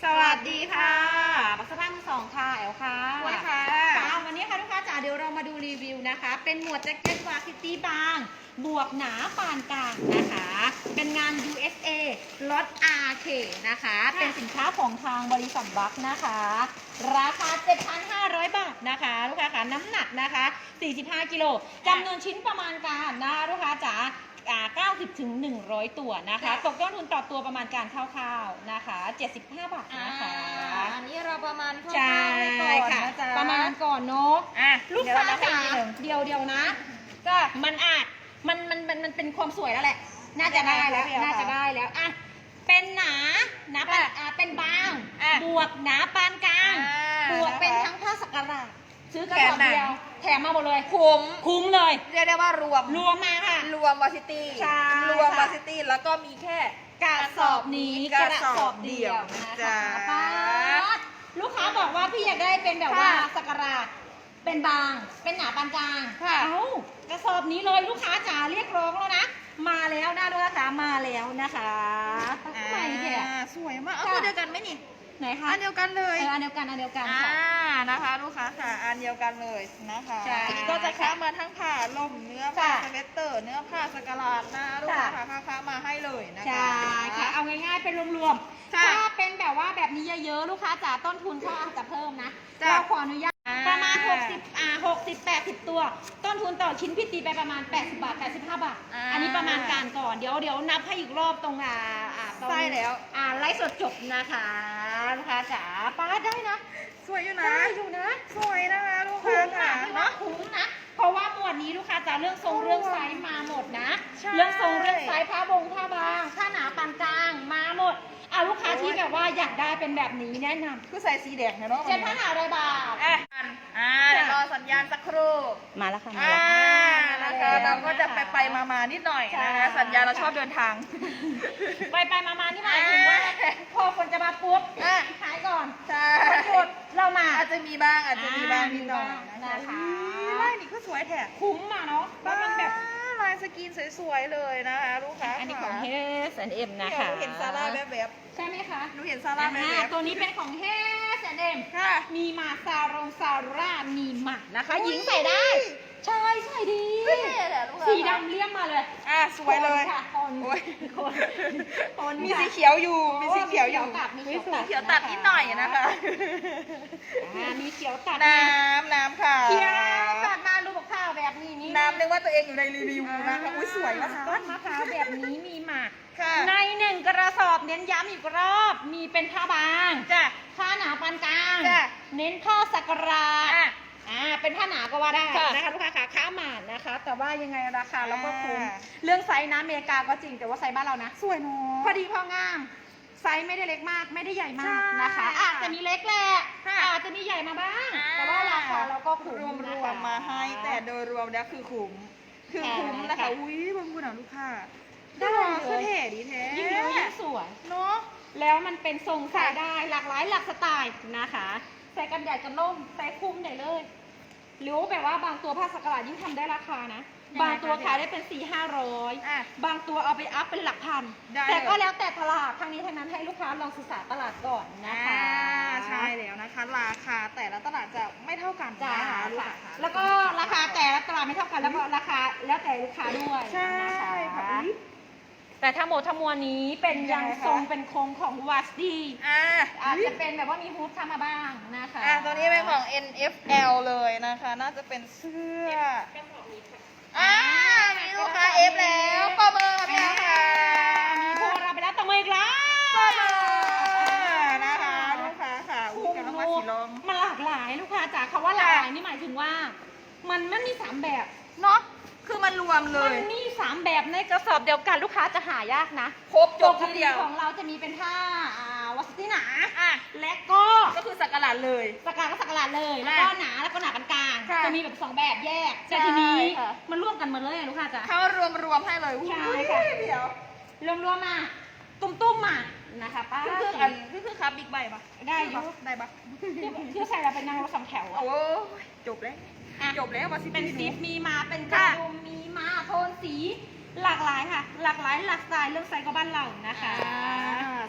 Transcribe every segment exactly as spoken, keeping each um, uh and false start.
สวัสดีค่ะบักสภาพมือสองค่ะแอลค่ะสวัสดีค่ะค่ะวันนี้ค่ะลูกค้าจ๋าเดี๋ยวเรามาดูรีวิวนะคะเป็นหมวดแจ็คเก็ตวาซิตี้บางบวกหนาปานกลางนะคะเป็นงาน ยู เอส เอ ล็อต อาร์ เค นะคะเป็นสินค้าของทางบริษัทบัคนะคะราคา เจ็ดพันห้าร้อย บาทนะคะลูกค้าค่ะน้ำหนักนะคะสี่สิบห้ากิโลจำนวนชิ้นประมาณการนะคะลูกค้าจ๋าเก้าสิบถึงหนึ่งร้อยตัวนะคะตกต้นทุนต่อตัวประมาณการคร่าวๆนะคะเจ็ดสิบห้าบาทนะคะอันนี้เราประมาณคร่าใช่วๆไว้ก่อนค่ะนะจ๊ะประมาณก่อนเนาะอ่ะลูกค้าเดี๋ยวจ๋าเราให้ดูเดียวเดียวๆนะก็มันอาจมันมันมันมันเป็นความสวยแล้วแหละ น่าจะได้แล้วเดี๋ยวๆน่าจะได้แล้วอ่ะเป็นหนาหนาปานอ่ะเป็นบางอ่ะบวกหนาปานกลางอ่าบวกเป็นนะคะทั้งผ้าสักการะซื้อกระแถสมอบหนังเดียวแถมมาหมดเลยคุ้มคุ้มเลยเรียกได้ว่ารวมรวมมาค่ะรวมวาซิตี้ใช่รวมค่ะวาซิตี้แล้วก็มีแค่กระสอบนี้กระสอบเดียวนะนะคะจ๊ะป้าดลูกค้าบอกว่าพี่อยากได้เป็นแบบว่าค่ะสักการะเป็นบาง เป็นหนาปานกลางค่ะเอ้ากระสอบนี้เลยลูกค้าจ๋าเรียกร้องแล้วนะ มาแล้วนะลูกค้าจ๋ามาแล้วนะคะทำไมเนี่ยอ่าสวยมากเอาค่ะตัวเดียวกันไหมนี่ไหนคะอันเดียวกันเลยเอออันเดียวกันอันเดียวกันอ่าค่ะนะคะลูกค้าค่ะอันเดียวกันเลยนะคะใช่ก็จะค้ามาทั้งผ้าล่มเนื้อผ้าค่ะสเวตเตอร์ เนื้อผ้าสกาลาดนะลูกค้าค่ะค้าค้ามาให้เลยนะคะใช่ค่ะเอาง่ายๆเป็นรวมๆค่ะถ้าเป็นแบบว่าแบบนี้เยอะๆลูกค้าจ๋าต้นทุนเขาอาจจะเพิ่มนะจ้ะเราขออนุญาตอ่าประมาณหกสิบอ่าหกสิบ แปดสิบตัว ต้นทุนต่อชิ้นพี่ตีไปประมาณแปดสิบบาทแปดสิบห้าบาทอ่าอันนี้ประมาณการก่อนเดี๋ยวเดี๋ยวนับให้อีกรอบตรงอ่าอ่าตรงใช่แล้วอ่าไลฟ์สดจบนะคะลูกค้าจ๋าป้าได้นะสวยอยู่นะได้อยู่นะสวยนะคะลูกคุ้ค้ามค่ะค่ะพี่ว่าเนาะคุ้มนะเพราะว่าหมวดนี้ลูกค้าจ๋าเรื่องทรงเรื่องไซส์มาหมดนะใช่เรื่องทรงเรื่องไซส์ผ้าบงผ้าบางผ้าหนาปานกลางมาหมดอ่ะลูกค้าที่แบบว่าอยากได้เป็นแบบนี้แนะนำคือใส่สีแดงเนี่ยเนาะเจ็ดพันห้าร้อยบาทอ่ะอ่าเดี๋ยวรอสัญญาณสักครู่มาแล้วค่ะมาอ่าแล้วนะคะเราก็จะไปไปมามานิดหน่อยนะคะสัญญาณเราชอบเดินทางไปไปมามานี่หมายถึงว่าอ่าพอฝนจะมาปุ๊บอ่ะขายก่อนใช่วันหยุดเรามาอาจจะมีบ้างอาจจะมีบ้างนิดหน่อยอ่านะคะอุ๊ยลายนี่ก็สวยแท้คุ้มอ่ะเนาะแล้วมันแบบลายสกรีนสวยๆเลยนะคะลูกค้าอันนี้ของค่ะ H แอนด์ เอ็ม นะคะหนูเห็นซาร่าแบบใช่ไหมคะๆหนูเห็นซาร่าแบอ่าบตัวนี้เป็นของ H แอนด์ เอ็มๆค่ะมีมาซารงซาร่ามีหมานะคะอุ๊ยหญิงใส่ได้ ใช่ใส่ดีเท่แหละลูกค้าสีดำเลี่ยมมาเลยอ่ะสวยเลยคนค่ะคนโอ้ยคนคนมีค่ะสีเขียวอยู่ มีสีเขียวอยู่มีตัดมีมีเขียวตัดเขียวตัดนิดหน่อยนะคะอ่ามีเขียวตัดน้ำน้ำค่ะเขียวตัดมาลูกข้าวแบบนี้นี่น้ำนึกว่าตัวเองอยู่ในรีวิวนะคะ อุ้ยสวยนะคะต้นมะพร้าวแบบนี้มีหมากค่ะในหนึ่งกระสอบเน้นย้ำอีกรอบ มีเป็นผ้าบางจ้ะผ้าหนาปานกลางจ้ะเน้นผ้าสักการะอ่ะอ่าเป็นผ้าหนาก็ว่าได้ค่ะนะคะลูกค้าขาค้าหมาดนะคะ แต่ว่ายังไงราคาเราก็คุ้มอ่าเรื่องไซส์นะอเมริกาก็จริงแต่ว่าไซส์บ้านเรานะสวยเนาะพอดีพองาม ไซส์ไม่ได้เล็กมากไม่ได้ใหญ่มากนะคะใช่อาจจะมีเล็กแหละค่ะอาจจะมีใหญ่มาบ้าง แต่ว่าราคาเราก็คุ้มรวมนะรวคะมมาให้ แต่โดยรวมแล้วคือคุ้ม คือคุ้มนะคะค่ะอุ้ยบางคนอ่ะลูกค้าได้ได้เลยคือเท่ดีแท้ยิ่งเยอะยิ่งสวยเนาะแล้วมันเป็นทรงใส่ได้หลากหลายหลากสไตล์นะคะ ใส่กันใหญ่กันล่มใส่คุ้มได้เลย หรือว่าแบบว่าบางตัวผ้าสักการะยิ่งทำได้ราคานะยังไงบางตัวคะขายได้เป็นสี่ห้าร้อยอ่ะบางตัวเอาไปอัพเป็นหลักพันได้แต่ก็เลยแล้วแต่ตลาดทางนี้ทางนั้นให้ลูกค้าลองศึกษาตลาดก่อนนะคะอ่าใช่แล้วนะคะ ราคาแต่ละตลาดจะไม่เท่ากันจ้านะคะลูกค่ะค้าแล้วก็ราคาแต่ละตลาดไม่เท่ากันแล้วก็ราคาแล้วแต่ลูกค้าด้วยใช่นะคะค่ะอุ๊ยแต่ทั้งหมดทั้งมวลนี้เป็นยัยัง งไงคะทรงเป็นโครงของวัสดีอ่าอาจจะเป็นแบบว่ามีฮูดเข้ามาบ้างนะคะอ่ะตัวนี้เป็นของ เอ็น เอฟ แอล เลยนะคะ น่าจะเป็นเสื้ออ่ามีลูกค้า F แล้วป้าเบอร์พี่นะคะมีโทรเราไปแล้วต่อมืออีกแล้วป้าเบอร์นะคะลูกค้าค่ะอุ้ยกำลังมาสีลองมันหลากหลายลูกค้าจ๋าคำว่าหลากหลายนี่หมายถึงว่า มันมันมีสามแบบเนาะคือมันรวมเลมัยนมีสามแบบในกระสอบเดียวกันลูกค้าจะหายากนะครบจปบกทีติเดียวของเราจะมีเป็นผ้าอ่าวัสดุหนาอ่ะและก็ก็คือสักกะหลาดเลยสกาก็สกาลาดเลย แล้วก็หนาแล้วก็หนาปานกลางค่ะจะมีแบบสองแบบแยก แต่ใช่ทีนี้ค่ะมันร่วมกันหมดเลยอะลูกค้าจ๋าเขารวมรวมๆให้เลยใช่อุ้ยค่ะเดี๋ยวรวมๆมาตุ้มๆมานะคะป้าคือคืออันคือคือครับบิ๊กไบค์ปะได้อยู่ได้ปะที่ใส่เราเป็นนางรถสองแถวอะโอ้ยจบแล้วอ่ะจบแล้วมาสิเป็นพี่หซิปมีมาเป็นกระค่ะดุมมีมาโทนสี หลากหลายค่ะ หลากหลายหลากสไตล์เรื่องไซส์ก็บ้านเรานะคะอ่า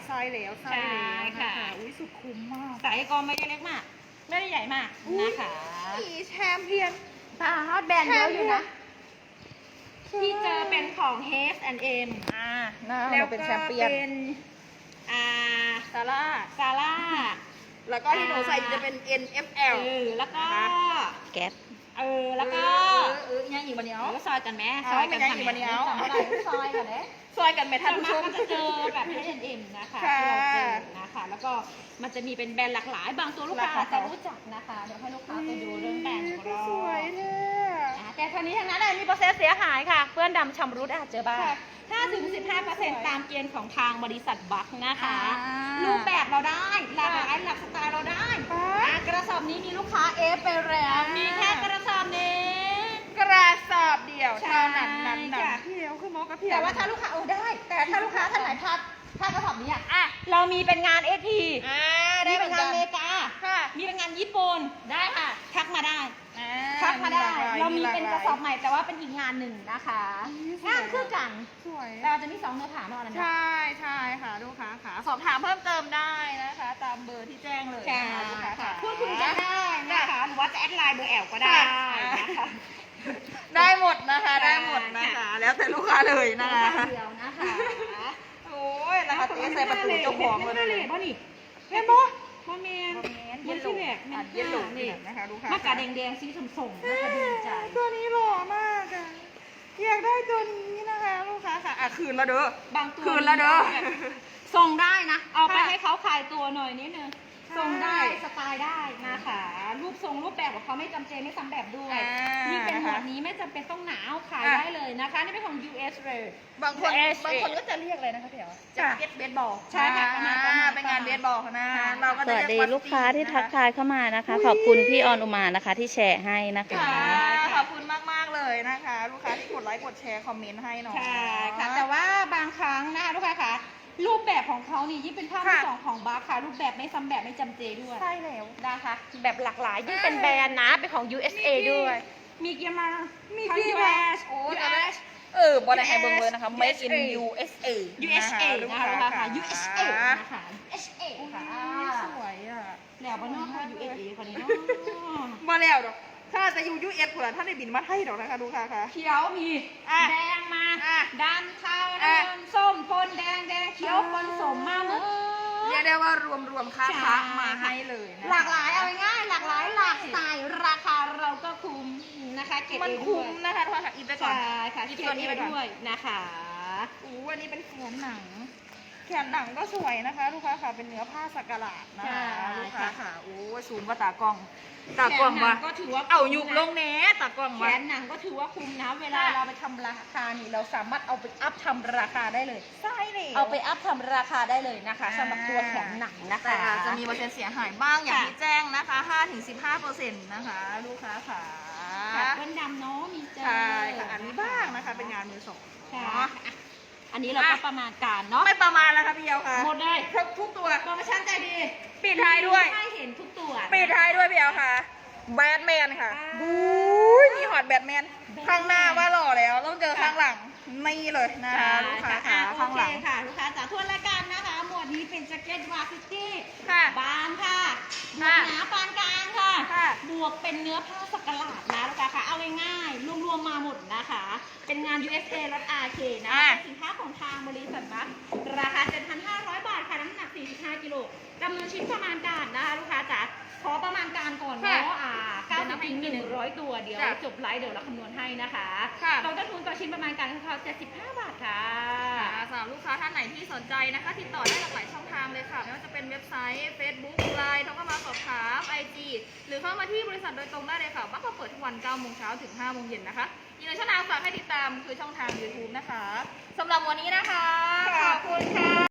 ไส้แล้วไส้ใช่แล้วค่ะอุ้ยสุดคุ้มมากสายก็ไม่ได้เล็กมาก ไม่ได้ใหญ่มากนะคะมีแชมเปี้ยนตาฮอตแบรนด์เยอะอยู่นะใช่ที่เจอเป็นของ H แอนด์ M อ่าหน้าแล้วเราเป็นก็แชมเปี้ยนเป็นอ่าซาร่าซาร่าแล้วก็ที่หนูใส่อยู่จะเป็น เอ็น เอฟ แอลเออแล้วก็แก๊สเออแล้วก็เออเออยังอีกบันเดียวเออซอยกันไหมเอาซอยกันไม่ได้ทำอยู่ไมวันเดียวจำไม่ได้ซอยกันเด้ซอยกันไหมท่านส่วนผู้ชมากมก็จะเจอแบบ H แอนด์ M นะคะค่ะที่เราเจอนะคะ แล้วก็มันจะมีเป็นแบรนด์หลากหลาย บางตัวลูกค้าราคาจะรู้จักนะคะ เดี๋ยวให้ลูกค้าไปดูเรื่องแบรนด์ของเราสวยเนี่ยอ่าแต่คราวนี้ทั้งนั้นเลยมีเปอร์เซ็นต์เสียหายค่ะ เปื้อนดำชำรุดอาจเจอบ้างค่ะห้าถึงสิบห้าเปอร์เซ็นต์ตามเกณฑ์ของทางบริษัทบัคนะคะอ่ารูปแบบเราได้หลากหลายหลากสไตล์เราได้ค่ะอ่ะกระสอบนี้มีลูกค้าเอฟไปแล้วอ่ามีมีแค่กระสอบนี้กระสอบเดียวใช่เท่านั้นนั้นนั้นค่ะพี่เดียวคือหมอกระเพียแต่ว่าถ้าลูกค้าเออได้ แต่ถ้าลูกค้าท่านไหนพลาดพลาดกระสอบนี้อ่ะอ่ะเรามีเป็นงานเอทีอ่ามีได้เหเป็มือน นงานกันอเมริกาค่ะมีเป็นงานญี่ปุ่นได้ค่ะ ทักมาได้อ่าทักมาได้หลกหลยเรามีเป็นหกลระยสอบใหม่แต่ว่าเป็นอีกงานหนึ่งนะคะอืมงานคือกันสวยแต่เราจะมีสองเนื้อหาเนาะอันนั้นใชนะ่ใช่ค่ะลูกค้าค่ะสอบถามเพิ่มเติมได้นะคะ ตามเบอร์ที่แจ้งเลยใช่นะคะลูกค้าค่ะค่ะพูดคุยกันได้นะคะหรือว่าจะแอดไลน์เบอร์แอลก็ได้ค่ะนะคะได้หมดนะคะค่ะได้หมดนะคะ แล้วแต่ลูกค้าเลยนะคะเดียวนะคะโอ้ยนะคะตีใส่ประตูเจ้าของเลยเลเลย ยบ่นี่เห็นปะบ่แมนเย็มันนที่แหลกอ่ะมันเย็นหลงนี่นะคะลูกค้ามากาแดงๆสีสมๆนะคะดีใจตัวนี้หล่อมากอะอยากได้ตัวนี้นะคะลูกค้าค่ะอ่ะคืนแล้วเด้อบางตัวคืนแล้วเด้อส่งได้นะ เอาไปค่ะให้เขาขายตัวหน่อยนิดนึงใช่ส่งได้สไตล์ได้นะคะ รูปทรงรูปแบบของเขาไม่จำเจไม่ซ้ำแบบด้วยอ่านี่เป็นหมวดนะคะนี้ไม่จำเป็นต้องหนาวขายอ่ะได้เลยนะคะ นี่เป็นของ ยู เอส เลยบางคนเอสบางคนก็จะเรียกอะไรนะคะพี่เอ๋แจ็คค่ะเก็ตเบสบอลใช่ค่ะประมาณประมาณเป็นงานเบสบอลนะค่ะเราก็สจะวัสเรีดียว่าลูกค้าที่สตรีทักทายเข้ามานะคะ ขอบคุณพี่ออนอุมานะคะ ที่แชร์ให้นะคะค่ะค่ะขอบคุณมากๆเลยนะคะ ลูกค้าที่กดไลค์กดแชร์คอมเมนต์ให้หน่อยใช่ค่ะ แต่ว่าบางครั้งนะคะลูกค้าคะรูปแบบของเขานี่ยิ่งเป็นภาพที่ค่ะสองของบาร์ค่ะ รูปแบบไม่ซ้ำแบบไม่จำเจด้วยใช่แล้วนะคะ แบบหลากหลายยิ่งเป็นแบรนด์นะเป็นของ ยู เอส เอ ด้วย มีเกียร์มามีทั้งที่ยูแบเอสโอ้ยูจะเอได้สเออบอลไฮเบิงเลยนะคะ Made in ยู เอส เอยู เอส เอลูกนะคะลูกค้าค่ะ ยู เอส เอ นะคะ ยู เอส เออุ๊ยค่ะสวยอ่ะแล้วบ้านนอกค่ะ ยู เอส เอ คนนี้เนาะมาแล้วดอกถ้าจะอยู่ ยู เอส เผื่อท่านได้บินมาไทยดอกนะคะลูกค้าค่ะเขียวมีอ่ะแดงมาอ่ะดำเทาอ่ะน้ำเงินส้มปนแดงแดงเขียวปนสมมาหมดเรียกได้ว่ารวมรวมๆค่าใช่พักมาให้เลยนะคะหลากหลายเอาง่ายๆหลากหลายหลากสไตล์ราคาเราก็คุ้มนะคะเก็บมันเองด้คุ้วมยนะคะทุกคนค่ะอีกไปก่อนใช่ค่ะอีเก็กบตัวเอนี้งไปก่อนด้วยนะคะอู้อันนี้เป็นแขนหนัง แขนหนังก็สวยนะคะลูกค้าค่ะเป็นเนื้อผ้าสักหลาดนะคะลูกค้าค่ะโอ้ยซูมว่าตากล้อง ตากล้องแขนหนัว่างก็ถือว่าเอายุบคุ้มนะลงแหน่ตากล้องแขว่านหนังก็ถือว่าคุ้มนะ เวลาค่ะเราไปทำราคานี่เราสามารถเอาไปอัพทำราคาได้เลยใช่เลยเอาไปอัพทำราคาได้เลยนะคะอ่าสำหรับตัวแขนหนังนะคะแต่อาจจะมีเปอร์เซ็นต์เสียหายบ้างอย่างค่ะที่แจ้งนะคะ ห้าถึงสิบห้าเปอร์เซ็นต์ นะคะ ลูกค้าค่ะค่ะเพื่อนดำเนาะมีเจอใช่ค่ะอันนี้บ้างนะคะ เป็นงานมือสองใช่เนาะอ่ะอันนี้เราก็ประมาณการเนาะไม่ประมาณแล้วค่ะพี่เอลค่ะหมดเลยครบทุกตัวโปรโมชั่นใจดีปิดท้ายด้วยให้เห็นทุกตัวปิดท้ายด้วยพี่เอลค่ะ แบทแมนค่ะอ่าบู๊ยนี่ฮอตแบทแมน ข้างหน้าว่าหล่อแล้ว ต้องเจอข้างหลัง นี่เลยนะคะลูกค้าค่ะอ่ะข้างหลังโอเคค่ะ ลูกค้าจากทั่วรายการนะคะ หมวดนี้เป็นแจ็คเก็ตวาฟิตี้ค่ะบางค่ะบวค่ะกหนาปานกลางค่ะค่ะบวกเป็นเนื้อผ้าสักหลาดนะลูกค้าค่ะ เอาง่ายๆรวมๆมาหมดนะคะ เป็นงาน ยู เอส เอ รถ อาร์ เค นะคะอ่ะเป็นสินค้าของทางบริษัทบัสราคา เจ็ดพันห้าร้อย บาทค่ะ น้ำหนัก สี่สิบห้า กิโลจำนวนชิ้นประมาณการนะคะ ลูกค้าจ๋าขอประมาณการก่อนเนาะอ่าเก้าสิบถึงหนึ่งร้อยตัว เดี๋ยวจ้ะจบไลฟ์เดี๋ยวเราคำนวณให้นะคะค่ะเราต้นทุนต่อชิ้นประมาณการของเขาเจ็ดสิบห้า บาทค่ะค่ะสำหรับลูกค้าท่านไหนที่สนใจนะคะ ติดต่อได้หลากหลายช่องทางเลยค่ะ ไม่ว่าจะเป็นเว็บไซต์ Facebook ไลน์โทรเข้ามาสอบถาม ไอ จี หรือเข้ามาที่บริษัทโดยตรงได้เลยค่ะบ้านเราเปิดทุกวันเก้าโมงเช้าถึงห้าโมงเย็นนะคะอีกหนึ่งช่องทางฝากให้ติดตามคือช่องทาง ยูทูบ นะคะสำหรับวันนี้นะคะ ขอบคุณค่ะ